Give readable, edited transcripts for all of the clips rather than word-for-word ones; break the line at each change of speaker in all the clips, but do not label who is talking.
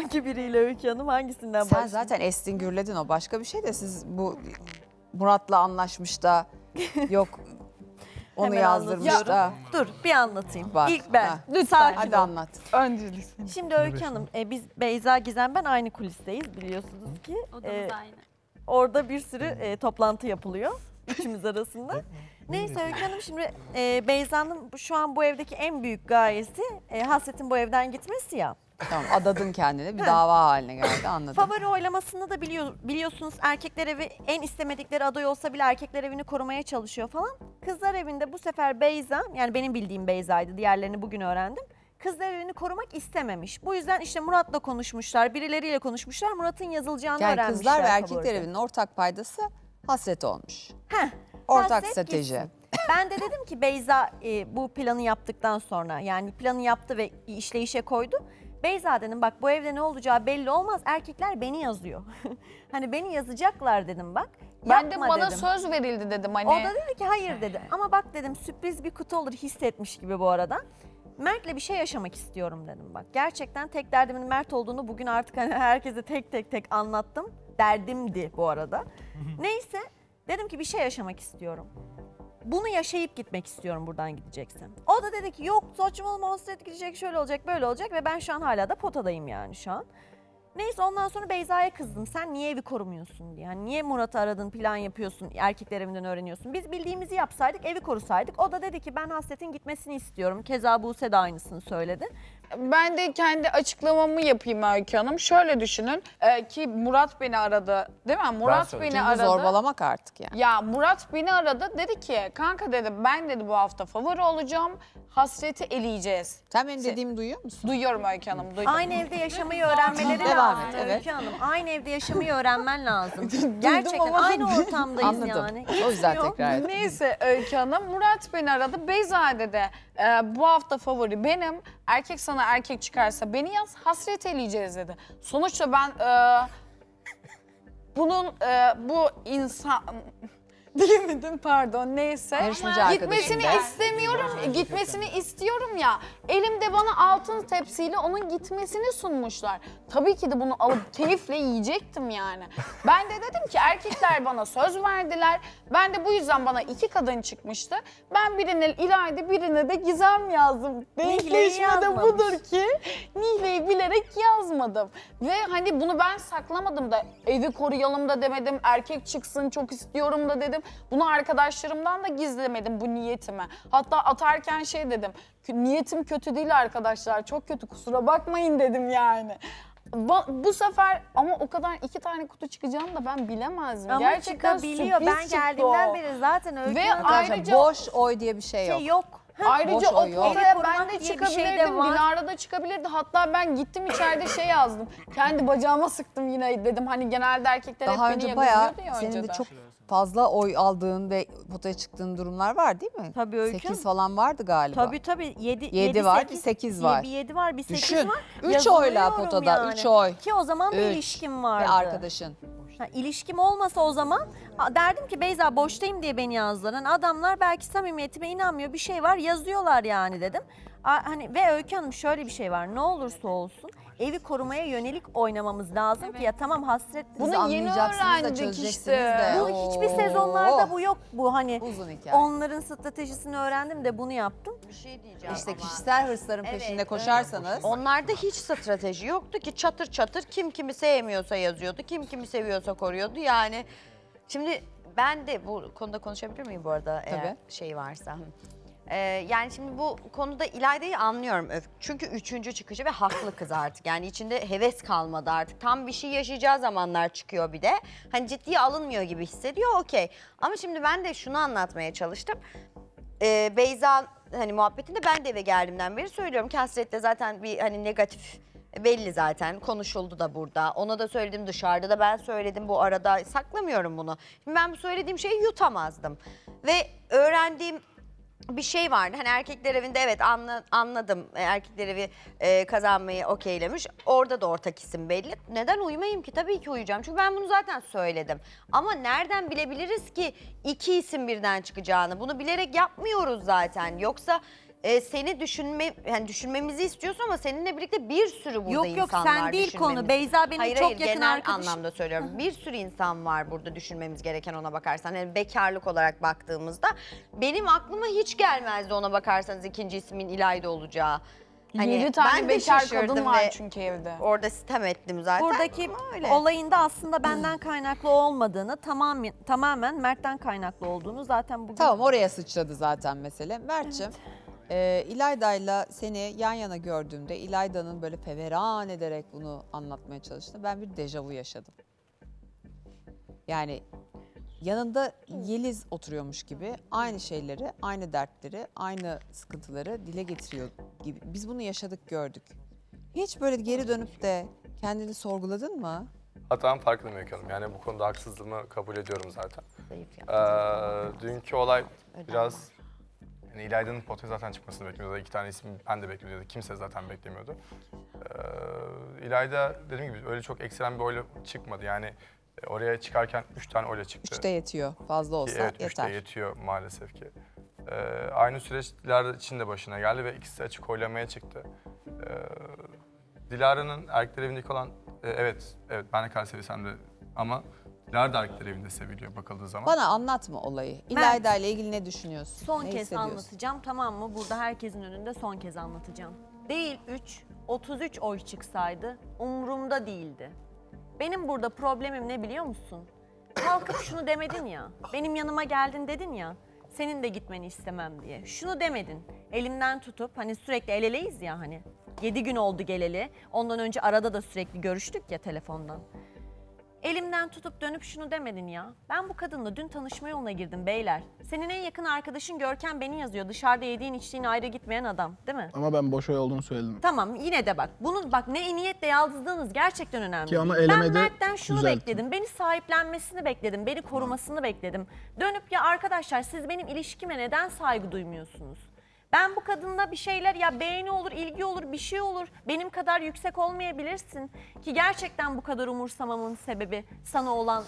Hangi biriyle Öykü Hanım? Hangisinden
Sen
başlayayım?
zaten estin gürledin, o başka bir şey de siz bu Murat'la anlaşmış da yok onu
Hemen
yazdırmış
anlatıyorum.
da.
Dur bir anlatayım.
Bak,
İlk ben.
ha.
Sakin
Hadi
ol.
anlat.
Öncelikle.
Şimdi Öykü Hanım, biz Beyza Gizem ben aynı kulisteyiz biliyorsunuz ki.
Odamız aynı.
Orada bir sürü toplantı yapılıyor üçümüz arasında. Neyse Öykü Hanım, şimdi Beyza'nın şu an bu evdeki en büyük gayesi Hasret'in bu evden gitmesi ya.
Tamam, adadın kendine, bir dava haline geldi, anladım.
Favori oylamasında da biliyorsunuz erkekler evi en istemedikleri aday olsa bile erkekler evini korumaya çalışıyor falan. Kızlar evinde bu sefer Beyza, yani benim bildiğim Beyza'ydı, diğerlerini bugün öğrendim. Kızlar evini korumak istememiş. Bu yüzden işte Murat'la konuşmuşlar, birileriyle konuşmuşlar. Murat'ın yazılacağını
Yani
öğrenmişler.
kızlar ve erkekler
favoride.
evinin ortak paydası Hasret olmuş.
Heh,
Ortak
Hasret
strateji.
gitsin. Ben de dedim ki Beyza bu planı yaptıktan sonra, yani planı yaptı ve işleyişe koydu. Beyza dedim, bak bu evde ne olacağı belli olmaz. Erkekler beni yazıyor. Hani beni yazacaklar dedim bak.
Ben de
Yapma
bana
dedim.
söz verildi dedim hani.
O da dedi ki hayır dedi. Ama bak dedim, sürpriz bir kutu olur, hissetmiş gibi bu arada. Mert'le bir şey yaşamak istiyorum dedim bak. Gerçekten tek derdimin Mert olduğunu bugün artık hani herkese tek anlattım. Derdimdi bu arada. Neyse dedim ki bir şey yaşamak istiyorum. Bunu yaşayıp gitmek istiyorum buradan gideceksin. O da dedi ki yok saçmalama, Hasret gidecek, şöyle olacak böyle olacak ve ben şu an hala da potadayım yani şu an. Neyse ondan sonra Beyza'ya kızdım. Sen niye evi korumuyorsun diye. Yani niye Murat'ı aradın, plan yapıyorsun, erkekler evinden öğreniyorsun. Biz bildiğimizi yapsaydık, evi korusaydık. O da dedi ki ben Hasret'in gitmesini istiyorum. Keza Buse de aynısını söyledi.
Ben de kendi açıklamamı yapayım Öykü Hanım. Şöyle düşünün ki Murat beni aradı değil mi? Murat
söyledim.
beni
Çünkü
aradı.
zorbalamak artık yani.
Ya Murat beni aradı, dedi ki kanka dedi ben dedi bu hafta favori olacağım, Hasret'i eleyeceğiz.
Sen benim dediğimi duyuyor musun?
Duyuyorum Öykü Hanım, duydum.
Aynı evde yaşamayı öğrenmeleri
Devam
lazım
et, evet.
Öykü Hanım. Aynı evde yaşamayı öğrenmen lazım. Gerçekten
ama-
aynı ortamdayız
Anladım.
yani.
O yüzden
Gitmiyor.
tekrar ettim.
Neyse Öykü Hanım, Murat beni aradı. Beyza dedi bu hafta favori benim. Erkek sana erkek çıkarsa beni yaz, Hasret eleyeceğiz dedi. Sonuçta ben bu insan... Diyemedim pardon, neyse.
Yarışmacı arkadaşım
Gitmesini
da.
istemiyorum, gitmesini istiyorum ya. Elimde bana altın tepsiyle onun gitmesini sunmuşlar. Tabii ki de bunu alıp keyifle yiyecektim yani. Ben de dedim ki erkekler bana söz verdiler. Ben de bu yüzden bana 2 kadın çıkmıştı. Ben birine İlayda, birine de Gizem yazdım. Denkleşme de
yazmamış.
budur ki Nihle'yi bilerek yazmadım. Ve hani bunu ben saklamadım da, evi koruyalım da demedim, erkek çıksın çok istiyorum da dedim. Bunu arkadaşlarımdan da gizlemedim bu niyetimi. Hatta atarken şey dedim, niyetim kötü değil arkadaşlar, çok kötü, kusura bakmayın dedim yani. Bu sefer ama o kadar 2 tane kutu çıkacağını da ben bilemezdim.
Ama
Gerçekten
çıkabiliyor.
sürpriz
Ben
çıktı
geldiğimden
o.
beri zaten Öykü
Ve
Hanım
ayrıca
Boş oy diye bir şey yok.
şey yok.
Ayrıca
Boş
o
oy yok.
potaya
Evi
ben
korumak
de
diye bir şey de
çıkabilirdim,
var.
Dilara da çıkabilirdi. Hatta ben gittim içeride şey yazdım. Kendi bacağıma sıktım yine dedim. Hani genelde erkekler
Daha
hep beni
önce bayağı
yazıyordu ya
senin de
önceden.
çok fazla oy aldığın ve potaya çıktığın durumlar var değil mi?
Tabii Öykü
8
Hanım.
falan vardı galiba.
Tabii 7
Yedi var, bir 8 var.
Bir 7 var, bir 8
Düşün,
var.
3 oyla
Yazılıyorum
potada,
yani.
3 oy.
Ki o zaman bir
3
ilişkim vardı.
Ve arkadaşın.
İlişkim olmasa o zaman derdim ki Beyza boştayım diye beni yazdılar. Hani adamlar belki samimiyetime inanmıyor, bir şey var, yazıyorlar yani dedim. Hani ve Öykü Hanım şöyle bir şey var, ne olursa olsun evi korumaya yönelik oynamamız lazım ki ya tamam Hasret
Bunu
Siz
yeni
anlayacaksınız da
öğrendik
çözeceksiniz
işte.
de.
bu hiçbir sezonlarda bu yok, bu hani
Uzun hikaye.
onların stratejisini öğrendim de bunu yaptım.
Bir şey diyeceğim
İşte
ama.
kişisel hırsların peşinde koşarsanız.
Onlarda hiç strateji yoktu ki, çatır çatır kim kimi sevmiyorsa yazıyordu, kim kimi seviyorsa koruyordu yani. Şimdi ben de bu konuda konuşabilir miyim bu arada eğer
Tabii.
şey varsa? Yani şimdi bu konuda İlayda'yı anlıyorum. Çünkü 3. çıkışı ve haklı kız artık. Yani içinde heves kalmadı artık. Tam bir şey yaşayacağı zamanlar çıkıyor bir de. Hani ciddiye alınmıyor gibi hissediyor, okey. Ama şimdi ben de şunu anlatmaya çalıştım. Beyza hani muhabbetinde ben de eve geldiğimden beri söylüyorum ki Hasret'te zaten bir hani negatif belli zaten, konuşuldu da burada. Ona da söyledim, dışarıda da ben söyledim, bu arada saklamıyorum bunu. Şimdi ben bu söylediğim şeyi yutamazdım. Ve öğrendiğim bir şey vardı. Hani erkekler evinde evet anladım. Erkekler evi kazanmayı okeylemiş. Orada da ortak isim belli. Neden uyumayayım ki? Tabii ki uyuyacağım. Çünkü ben bunu zaten söyledim. Ama nereden bilebiliriz ki 2 isim birden çıkacağını? Bunu bilerek yapmıyoruz zaten. Yoksa seni düşünmemizi istiyorsun ama seninle birlikte bir sürü burada
Yok
insan var.
sen değil konu.
düşünmemiz-
Beyza benim
Hayır,
çok
hayır,
yakın
genel
arkadaşım.
anlamda söylüyorum. Bir sürü insan var burada düşünmemiz gereken ona bakarsan. Yani bekarlık olarak baktığımızda benim aklıma hiç gelmezdi ona bakarsanız ikinci ismin İlayda olacağı.
7 tane
ben de
bekar
şaşırdım
kadın var
ve
çünkü evde.
Orada sitem ettim zaten.
Buradaki
Ama öyle.
olayında aslında benden kaynaklı olmadığını, tamamen Mert'ten kaynaklı olduğunu zaten bugün...
Tamam, oraya sıçradı zaten mesele. Mert'ciğim, İlayda'yla seni yan yana gördüğümde İlayda'nın böyle feveran ederek bunu anlatmaya çalıştığında ben bir dejavu yaşadım. Yani yanında Yeliz oturuyormuş gibi aynı şeyleri, aynı dertleri, aynı sıkıntıları dile getiriyor gibi. Biz bunu yaşadık, gördük. Hiç böyle geri dönüp de kendini sorguladın mı?
Hatam farkındayım Öykü Hanım. Yani bu konuda haksızlığımı kabul ediyorum zaten.
Zayıf ya.
Dünkü olay biraz... Yani İlayda'nın potaya zaten çıkmasını beklemiyordu. 2 tane isim ben de beklemiyordu. Kimse zaten beklemiyordu. İlayda dediğim gibi öyle çok ekstrem bir oyla çıkmadı. Yani oraya çıkarken 3 tane oyla çıktı.
3'te yetiyor. Fazla olsa
Evet, 3'te
yeter.
yetiyor maalesef ki. Aynı süreçler için de başına geldi ve ikisi açık oylamaya çıktı. Dilara'nın erkekler evindeki olan, evet ben de kadar sevsem de ama Dilara da erkekler evinde seviliyor bakıldığı zaman.
Bana anlatma olayı. İlayda ile ilgili ne düşünüyorsun?
Son
ne
kez
hissediyorsun?
anlatacağım, tamam mı? Burada herkesin önünde son kez anlatacağım. Değil 3, 33 oy çıksaydı umurumda değildi. Benim burada problemim ne biliyor musun? Kalkıp şunu demedin ya, benim yanıma geldin dedin ya, senin de gitmeni istemem diye. Şunu demedin, elimden tutup hani sürekli el eleyiz ya hani. 7 gün oldu geleli, ondan önce arada da sürekli görüştük ya telefondan. Elimden tutup dönüp şunu demedin ya. Ben bu kadınla dün tanışma yoluna girdim beyler. Senin en yakın arkadaşın Görkem beni yazıyor. Dışarıda yediğin içtiğin ayrı gitmeyen adam değil mi?
Ama ben boş oy olduğunu söyledim.
Tamam yine de bak. Bunun bak ne niyetle yazdığınız gerçekten önemli.
Ki ama
değil. Ben
elemede
Mert'ten şunu
düzelttim.
bekledim. Beni sahiplenmesini bekledim. Beni korumasını bekledim. Dönüp ya arkadaşlar siz benim ilişkime neden saygı duymuyorsunuz? Ben bu kadınla bir şeyler ya beğeni olur, ilgi olur, bir şey olur. Benim kadar yüksek olmayabilirsin. Ki gerçekten bu kadar umursamamın sebebi sana olan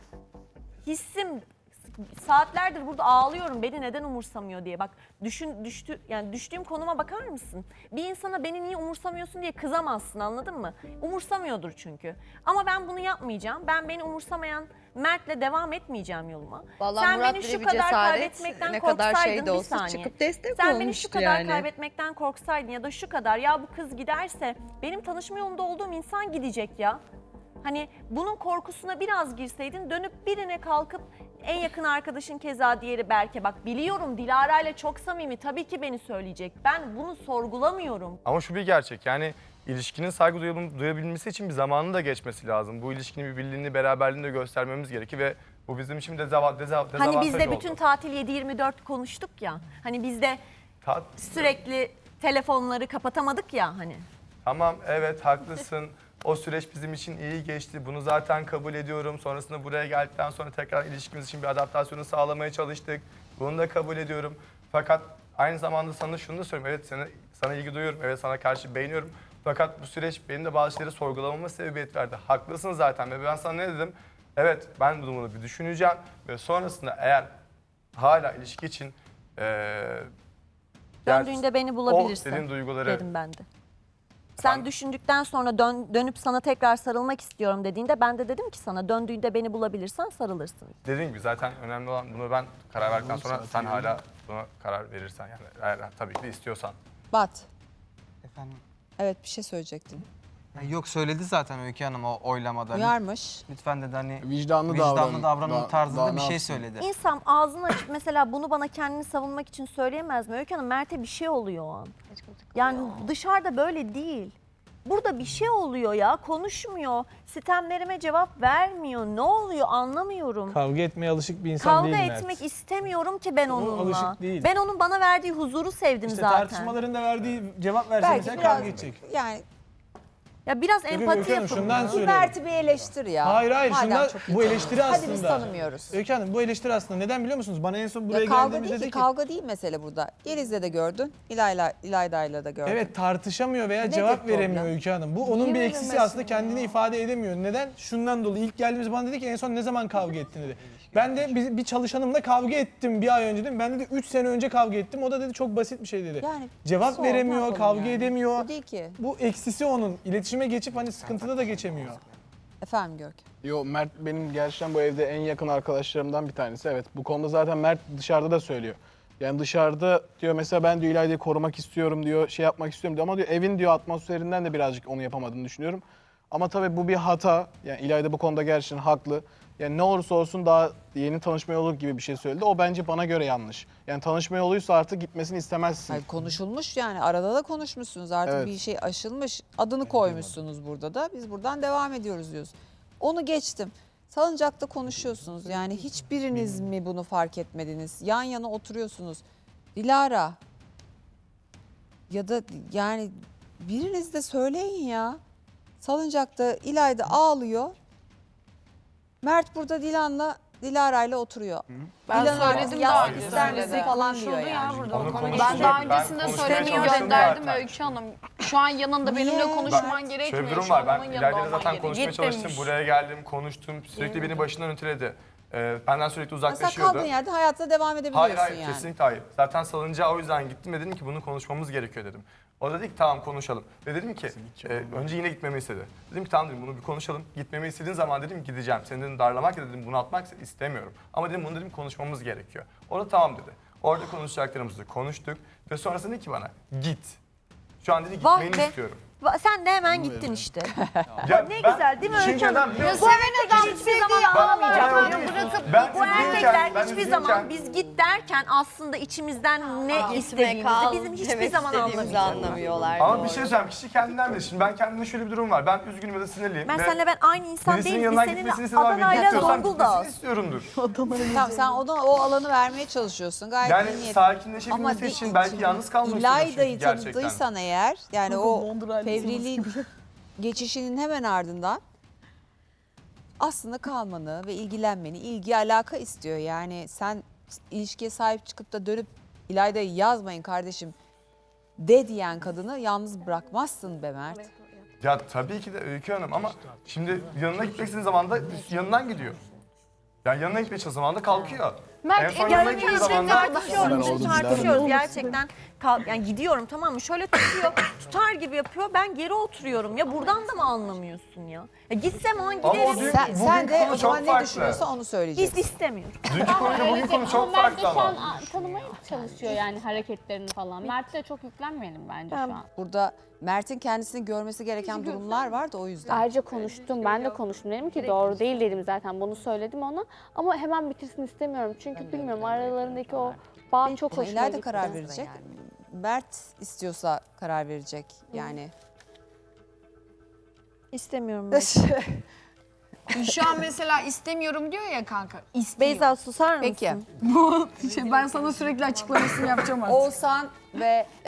hissim. Saatlerdir burada ağlıyorum beni neden umursamıyor diye. Bak düştüğüm konuma bakar mısın? Bir insana beni niye umursamıyorsun diye kızamazsın, anladın mı? Umursamıyordur çünkü. Ama ben bunu yapmayacağım. Ben beni umursamayan Mert'le devam etmeyeceğim yoluma.
Vallahi
Sen
Murat
beni
bile
şu
bir
kadar
cesaret,
kaybetmekten
ne kadar
korksaydın
şey de
bir
olsa
saniye.
çıkıp destek
Sen beni şu
olmuştu
kadar
yani.
kaybetmekten korksaydın ya da şu kadar ya bu kız giderse benim tanışma yolunda olduğum insan gidecek ya. Hani bunun korkusuna biraz girseydin dönüp birine kalkıp en yakın arkadaşın keza diğeri Berke bak biliyorum Dilara ile çok samimi tabii ki beni söyleyecek. Ben bunu sorgulamıyorum.
Ama şu bir gerçek, yani ilişkinin saygı duyabilmesi için bir zamanın da geçmesi lazım. Bu ilişkinin bir birliğini, beraberliğini de göstermemiz gerekir ve bu bizim için dezavantaj
Hani biz de
oldu.
bütün tatil 7-24 konuştuk ya. Hani biz de sürekli telefonları kapatamadık ya hani.
Tamam, evet haklısın. O süreç bizim için iyi geçti. Bunu zaten kabul ediyorum. Sonrasında buraya geldikten sonra tekrar ilişkimiz için bir adaptasyonu sağlamaya çalıştık. Bunu da kabul ediyorum. Fakat aynı zamanda sana şunu da söyleyeyim. Evet sana ilgi duyuyorum. Evet sana karşı beğeniyorum. Fakat bu süreç benim de bazı şeyleri sorgulamama sebebiyet verdi. Haklısın zaten ve ben sana ne dedim? Evet ben bunu bir düşüneceğim ve sonrasında eğer hala ilişki için
Döndüğünde beni bulabilirsin
dediğin duyguları
dedim ben de. Sen düşündükten sonra dönüp sana tekrar sarılmak istiyorum dediğinde ben de dedim ki sana döndüğünde beni bulabilirsen sarılırsın.
dediğim gibi zaten önemli olan bunu ben karar verdikten sonra sen hala buna karar verirsen yani eğer tabii ki de istiyorsan.
Bat.
Efendim?
Evet, bir şey söyleyecektin.
Yok söyledi zaten Öykü Hanım o oylamada.
Uyarmış.
Lütfen dedi hani
Vicdanlı
davranın tarzında
daha
bir
ne
şey
yapsın?
söyledi.
İnsan ağzını açıp mesela bunu bana kendini savunmak için söyleyemez mi? Öykü Hanım Mert'e bir şey oluyor o an. Yani dışarıda böyle değil. Burada bir şey oluyor ya, konuşmuyor, sitemlerime cevap vermiyor. Ne oluyor anlamıyorum.
Kavga etmeye alışık bir insan
Kavga
değil Mert.
etmek istemiyorum ki ben onunla.
alışık değil.
Ben onun bana verdiği huzuru sevdim
İşte
zaten.
tartışmalarında verdiği cevap verse
Belki
mesela
biraz
kavga edecek.
yani
Ya biraz
Öykü
empati
Hanım,
yapın.
şundan
Bir
söylüyorum.
Mert'i bir eleştir ya.
Hayır
Madem
şundan,
çok iyi
bu eleştiri
tanıyorsun.
aslında.
Hadi biz tanımıyoruz.
Öykü Hanım bu eleştiri aslında neden biliyor musunuz? Bana en son buraya
Ya kavga
geldiğimizde
değil
dedi
ki,
ki
kavga değil mesele burada. Yeliz'le de gördün, İlayda'yla da gördün.
evet tartışamıyor veya
Nedir
cevap
problem?
veremiyor Öykü Hanım. Bu onun bir eksisi aslında, kendini ifade edemiyor. Neden? Şundan dolayı ilk geldiğimiz bana dedi ki en son ne zaman kavga ettin dedi. Ben de bir çalışanımla kavga ettim bir ay önce dedim. Ben de 3 sene önce kavga ettim. O da dedi çok basit bir şey dedi.
Yani
Cevap
sor, ne
veremiyor,
yapalım
kavga
yani?
edemiyor.
Bu değil ki.
Bu eksisi onun. İletişime geçip hani sıkıntıda da geçemiyor.
Efendim Görkem.
Yo, Mert benim gerçekten bu evde en yakın arkadaşlarımdan bir tanesi. Evet, bu konuda zaten Mert dışarıda da söylüyor. Yani dışarıda diyor mesela ben diyor İlayda'yı korumak istiyorum diyor, şey yapmak istiyorum diyor ama diyor evin diyor atmosferinden de birazcık onu yapamadığını düşünüyorum. Ama tabii bu bir hata. Yani İlayda bu konuda gerçekten haklı. Yani ne olursa olsun daha yeni tanışma yolu gibi bir şey söyledi. O bence bana göre yanlış. Yani tanışma yoluysa artık gitmesini istemezsin.
Hayır, konuşulmuş yani arada da konuşmuşsunuz artık
Evet.
bir şey aşılmış. Adını koymuşsunuz burada da biz buradan devam ediyoruz diyoruz. Onu geçtim. Salıncakta konuşuyorsunuz yani hiçbiriniz mi bunu fark etmediniz? Yan yana oturuyorsunuz. Dilara ya da yani biriniz de söyleyin ya. Salıncakta İlayda ağlıyor. Mert burada Dilara'yla oturuyor.
Ben
Dilan
söyledim
artık
daha
yazmak
önce
ister misin
söyledim.
falan diyor yani.
Onu konuştuk.
Ben daha
Ben
öncesinde
konuşmaya
söylediğimi
çalıştım
gönderdim
zaten.
Öykü Hanım. Şu an yanında benimle
Niye?
konuşman
Şöyle
gerekmiyor.
bir durum
Şu
var.
an
Ben
onun yanında
İlayda'yla
olman
zaten
gerekiyor.
konuşmaya çalıştım.
demiş.
Buraya geldim, konuştum. Sürekli beni başından öteledi. Benden sürekli
Mesela
uzaklaşıyordu.
kaldığın yerde hayatına devam edebiliyorsun
Hayır
yani.
kesinlikle hayır. Zaten salıncağa o yüzden gittim ve dedim ki bunu konuşmamız gerekiyor dedim. O da dedi ki tamam konuşalım. Ve dedim ki önce yine gitmemi istedi. Dedim ki tamam dedim bunu bir konuşalım. Gitmemi istediğin zaman dedim gideceğim. Seni dedim darlamak ya dedim bunaltmak istemiyorum. Ama dedim bunu dedim konuşmamız gerekiyor. O da tamam dedi. Orada konuşacaklarımızı konuştuk ve sonrasında dedi ki bana git. Şu an dedi
Vah
gitmeni
be.
istiyorum.
Sen de hemen gittin işte.
Ya
Ne
ben
güzel değil mi Öykü
düşünceden
Hanım?
biliyor
Bu
musun?
erkekler hiçbir zaman ağlamayacak.
olay
Yani
değil.
bırakıp
Ben
bu
üzülürken,
erkekler
ben
hiçbir
üzülürken-
zaman biz git derken aslında içimizden ne istediğimizi bizim hiçbir zaman
istediğimizi
anlamayacaklar.
anlamıyorlar.
Ama bir şey söyleyeyim, kişi kendinden bilir. Şimdi ben kendimde şöyle bir durum var. Ben üzgünüm ya da sinirliyim.
Ben
ve
seninle ben aynı insan
birisinin
değiliz. Biz
yanından
seninle
gitmesini istediğim zaman
Adana'yla
gitmiyorsam
Zonguldak'ız.
gitmesini istiyorumdur.
Tamam sen o alanı vermeye çalışıyorsun. Gayet
Yani
iyi niyetli.
sakinleşebilmesi
di-
için belki yalnız kalmak istiyorsun
İlayda'yı
çünkü gerçekten.
tanıdıysan eğer yani o fevriliğin geçişinin hemen ardından aslında kalmanı ve ilgilenmeni, ilgi alaka istiyor. Yani sen ilişkiye sahip çıkıp da dönüp İlayda'yı yazmayın kardeşim de diyen kadını yalnız bırakmazsın be Mert.
Ya tabii ki de Öykü Hanım ama şimdi yanına gitmek istediğin zaman da yanından gidiyor. Yani yanına gitmeye çalıştığı zaman da kalkıyor.
Mert,
en son
en
yanına
yakın
gittiği zaman da
Tartışıyoruz gerçekten. Yani gidiyorum tamam mı? Şöyle tutar gibi yapıyor. Ben geri oturuyorum. Ya buradan da mı anlamıyorsun ya? Gitsem o an
Ama o
giderim.
diyor-
Sen
Bugünkü
de
konu
o zaman
çok
ne
farklı.
düşünüyorsa onu söyleyeceksin.
Biz istemiyorum.
dünkü konuyla bugün konu çok
Mert de
farklı
şu an
ama.
tanımaya çalışıyor yani hareketlerini falan. Mert'e çok yüklenmeyelim bence şu an.
Burada Mert'in kendisini görmesi gereken durumlar var da o yüzden.
Ayrıca konuştum, ben de konuştum. Dedim ki doğru değil dedim zaten, bunu söyledim ona. Ama hemen bitirsin istemiyorum. Çünkü bilmiyorum aralarındaki o bağ çok
Ama
hoşuma
İlayda
gitti.
karar verecek. Mert istiyorsa karar verecek yani.
İstemiyorum.
Şu an mesela istemiyorum diyor ya kanka. İstiyor.
Beyza susar mısın?
Peki.
Ben sana sürekli açıklamasını yapacağım artık.
Oğuzhan ve